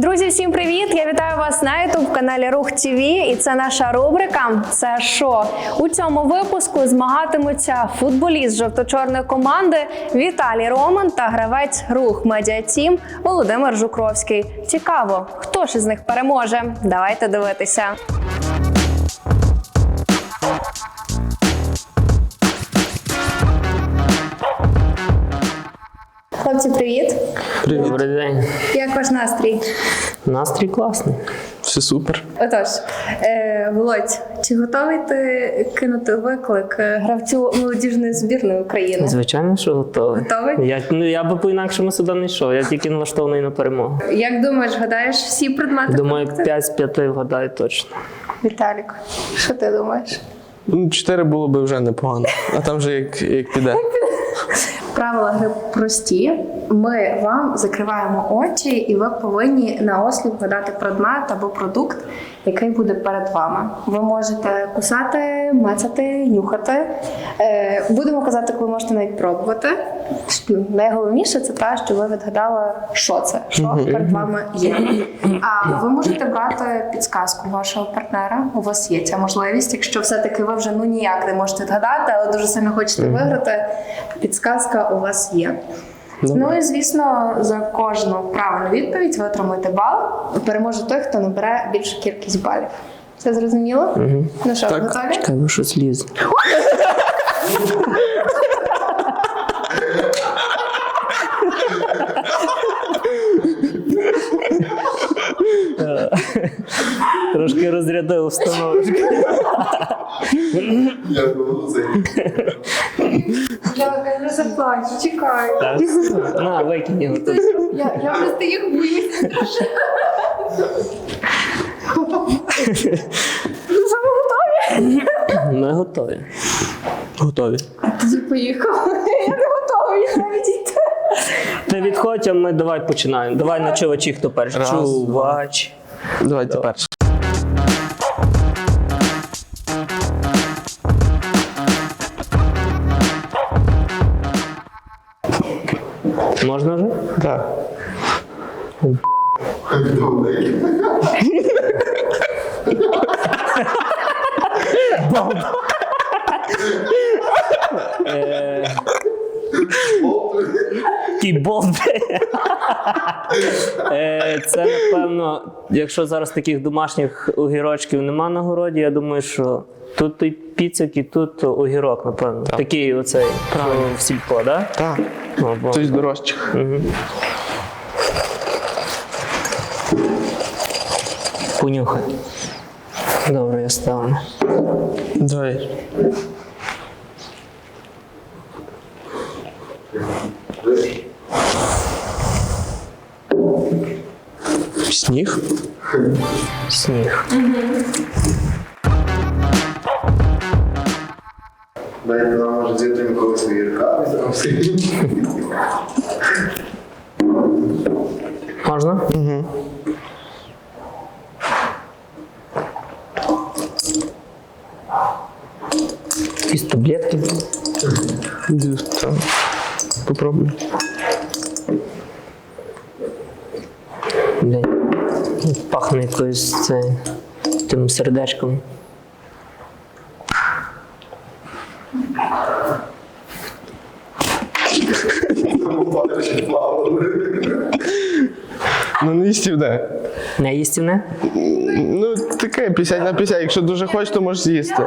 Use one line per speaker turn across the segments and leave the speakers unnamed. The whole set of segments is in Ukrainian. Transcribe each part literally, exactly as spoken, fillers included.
Друзі, всім привіт! Я вітаю вас на ютуб-каналі Рух ТВ, і це наша рубрика «Це що?». У цьому випуску змагатимуться футболіст жовто-чорної команди Віталій Роман та гравець Рух Медіа Тім Володимир Жукровський. Цікаво, хто ж із них переможе? Давайте дивитися. Хлопці, привіт!
Привіт. Добрий день.
Як ваш настрій?
Настрій класний.
Все супер.
Отож, е, Володь, чи готовий ти кинути виклик гравцю молодіжної збірної України?
Звичайно, що готовий.
Готовий?
Я, ну, я би по-інакшому сюди не йшов, я тільки налаштований на перемогу.
Як думаєш, гадаєш всі предмети?
Думаю, п'ять з п'яти вгадаю точно.
Віталік, що ти думаєш?
Ну, чотири було б вже непогано, а там вже як, як піде.
Правила гри прості. Ми вам закриваємо очі, і ви повинні наосліп вгадати предмет або продукт, який буде перед вами. Ви можете кусати, мацати, нюхати. Е, будемо казати, коли можете навіть пробувати. Найголовніше це те, що ви відгадали, що це, що перед вами є. А ви можете брати підсказку вашого партнера. У вас є ця можливість. Якщо все-таки ви вже ну ніяк не можете відгадати, але дуже сильно хочете виграти, підсказка у вас є.
Добре.
Ну і, звісно, за кожну правильну відповідь ви отримуєте бал. Переможе той, хто набере більшу кількість балів. Все зрозуміло?
Угу.
Ну що,
Так.
готові?
Чекай, ви щось лізе. Трошки розрядив установочку.
Я голозий.
Я не заплачу, чекай.
Так, на, викинь його тут.
Я, я просто їх боюся. Ну що, ви готові?
Ми готові.
Готові.
Тоді поїхали. Я не готова, я навіть йти.
Ти відходь, а ми давай починаємо. Давай на чувачі, хто перший.
Раз,
Чувач.
Давайте перше.
Можна вже?
Так.
Добрий.
Кібол. Це, напевно, якщо зараз таких домашніх огірочків нема на городі, я думаю, що тут і піцик, і тут огірок, напевно. Такий оцей, що в сільпо, да?
Так.
О, бо-
Хтось дорожчих.
Мгм. Понюхай. Добре, я ставлю.
Давай. Сніг?
Сніг.
Навіть вона може з'їти ніколи свої рукави.
Можна?
Угу.
Якісь таблетки.
Там. Попробуй.
Блін. Пахне якоюсь це, тим сердечком.
Тому падаючи плавали.
Ну не їстівне.
Не їстівне?
Ну таке п'ятдесят на п'ятдесят. Якщо дуже хочеш, то можеш з'їсти.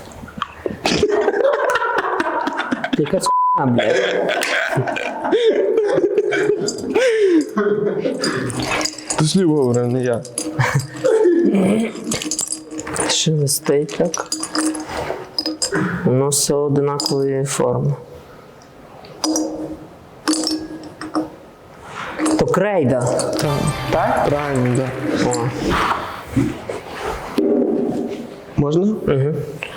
Якась хуйня, блядь.
Ти слів говорив, не я.
Шелестить так. Воно все одинакової форми. То крейда.
Так.
Так?
Правильно, так.
О.
Можна?
Угу.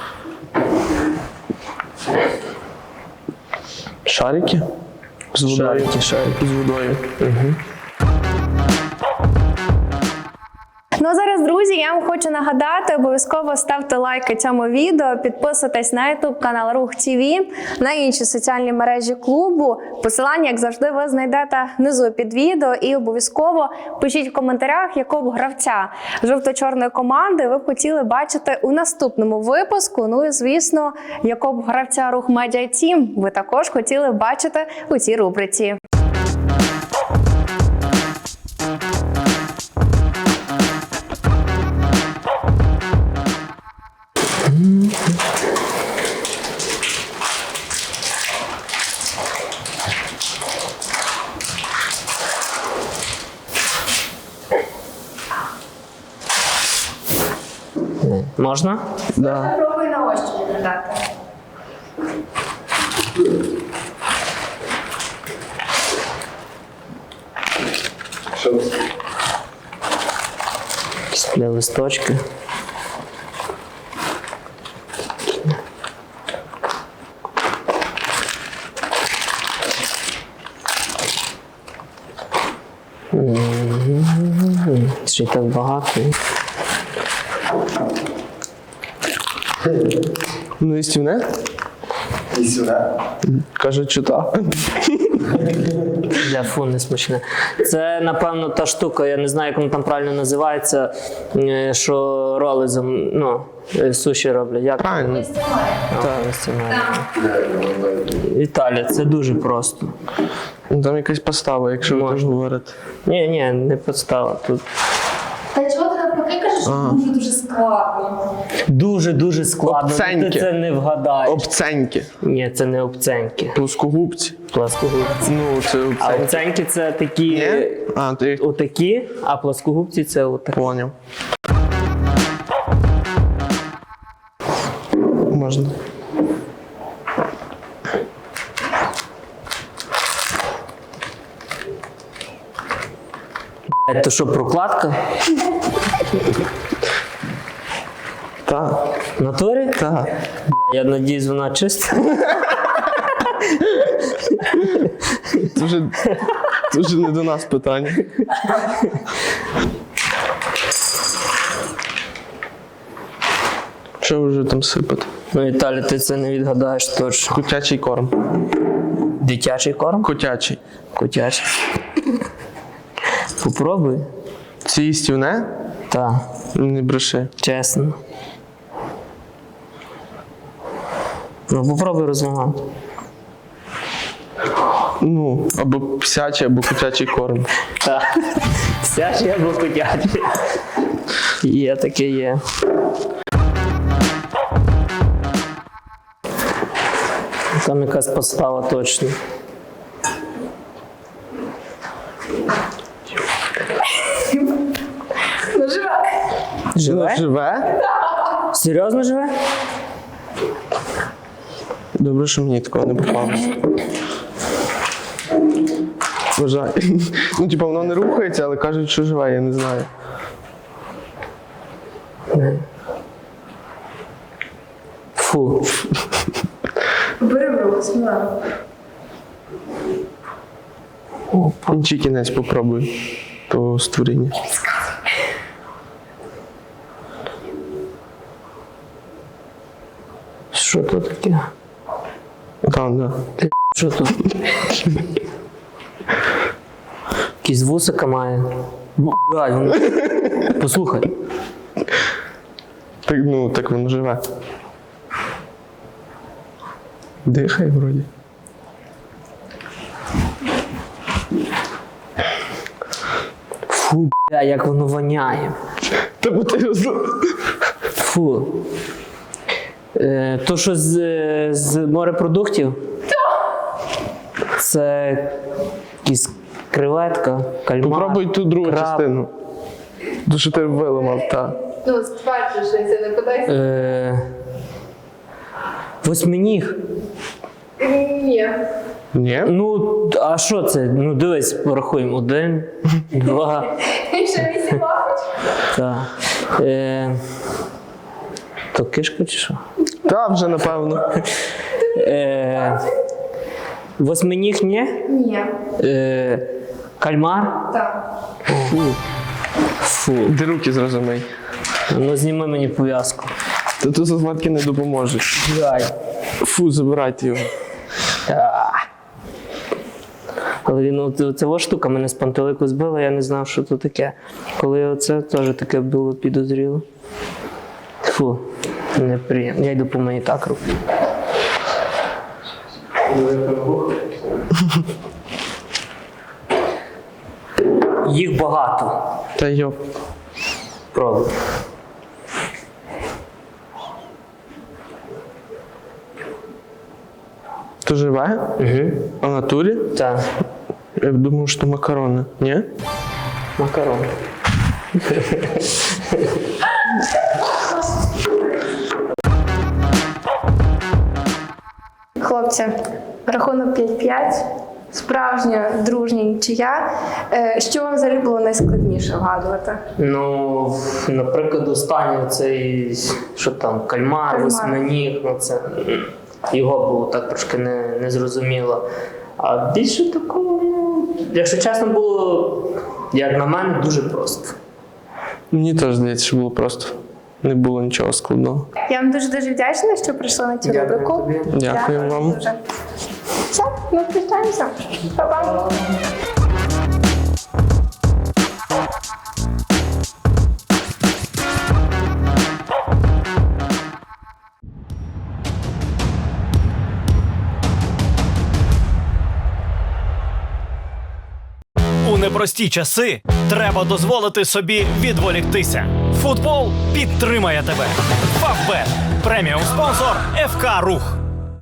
Шарики? З водою.
Шарики, шарики.
З водою.
Угу.
Ну а зараз, друзі, я вам хочу нагадати, обов'язково ставте лайки цьому відео, підписуйтесь на ютуб канал Рух ТВ, на інші соціальні мережі клубу. Посилання, як завжди, ви знайдете внизу під відео. І обов'язково пишіть в коментарях, якого гравця жовто-чорної команди ви б хотіли бачити у наступному випуску. Ну і, звісно, якого гравця Рух Медіа Тім ви також хотіли бачити у цій рубриці.
Можна?
Да.
Пробуй на ощупь відгадати.
Що це?
Для листочки. М-м-м. Ще й так багато.
Ну, істівне?
І сюди.
Кажуть, що так.
Для фу, не смачне. Це, напевно, та штука, я не знаю, як воно там правильно називається, е, що роли зам- ну, е, суші роблять. Як?
Правильно.
Так, Італія, це дуже просто.
Ну, там якась постава, якщо ви теж говорите.
Ні, ні, не підстава тут.
Та чого ти навпаки кажеш, що дуже-дуже складно?
Дуже-дуже складно,
Обценьки.
ти це не вгадаєш.
Обценьки.
Ні, це не обценьки.
Плоскогубці.
Плоскогубці.
Ну, це
А
обценьки.
обценьки це такі,
Ні? А, ти їх
отакі, а плоскогубці це отакі.
поняв. Можна.
Блядь, то що, прокладка?
Так,
В натурі?
так.
Бля, я надіюсь, вона чиста.
Дуже, дуже не до нас питання. Що ви вже там сипати?
Ну, Віталій, ти це не відгадаєш точно.
Котячий корм.
Дитячий корм?
Котячий.
Котячий. Попробуй.
Це їстівне?
Так,
Не бреши.
чесно. Ну, попробуй розмагати.
Ну, або псячий, або котячий корм.
Так. Вся ж я був котячий. Є таке є. Там якась постава точно.
Ну, живе.
Живе?
Живе?
Серйозно живе?
Добре, що мені такого не попалося. Вважаю. Ну, типу, воно не рухається, але кажуть, що живе, я не знаю.
Фу.
Бери в руку, сміливо.
Інший кінець попробуй того створіння.
Що тут таке?
Там, да.
Що тут? Якісь вусика має. Блядь, воно- Послухай.
Так, ну, так воно живе. Дихає вроді.
Фу, бля, як воно воняє.
Та бо ти його зна-
Фу. Е, то, що з, з морепродуктів? Це якісь креветка, кальмар.
Попробуй ту другу
краб.
частину. Ту, що ти виламав, так.
Ну, стверджуєшся, не кудись.
Е, восьминіг.
Ні.
Ні?
Ну, а що це? Ну, дивись, порахуємо. Один, два,
Ще вісім лапочок.
так. Е, то кишка чи що?
Та, вже напевно.
Е, восьминіг ні?
Ні.
Е, кальмар?
Так.
Фу. Фу. Фу.
Де руки зразу мий.
Ну зніми мені пов'язку.
Та тут зазватки не допоможуть.
Дай.
Фу, забирайте його.
Але він, от, ця ось штука мене з пантелику збила, я не знав, що це таке. Коли оце теж таке було підозріло. Фу, неприємно. Я йду по мені так руки. Їх багато.
Та йоп.
Пробуй.
То живе?
Угу.
А в натурі?
Так.
Я думав, що макарони. Ні?
Макарон.
Хлопці, рахунок п'ять-п'ять. Справжня дружня нічия. Е, Що вам взагалі було найскладніше вгадувати?
Ну, в- наприклад, останній цей, що там, кальмар,
Кальмар.
восьминіг, ну це м, його було так трошки не, незрозуміло. А більше такого, ну, якщо чесно, було, як на мене, дуже просто.
Мені теж здається, що було просто. Не було нічого складного.
Я вам дуже-дуже вдячна, що прийшли на цю
Дякую
рубрику.
тобі.
Дякую вам.
дуже. Все, ми прощаємося. Па-па.
У непрості часи треба дозволити собі відволіктися. Футбол підтримає тебе. Фавбет – преміум спонсор еф ка Рух.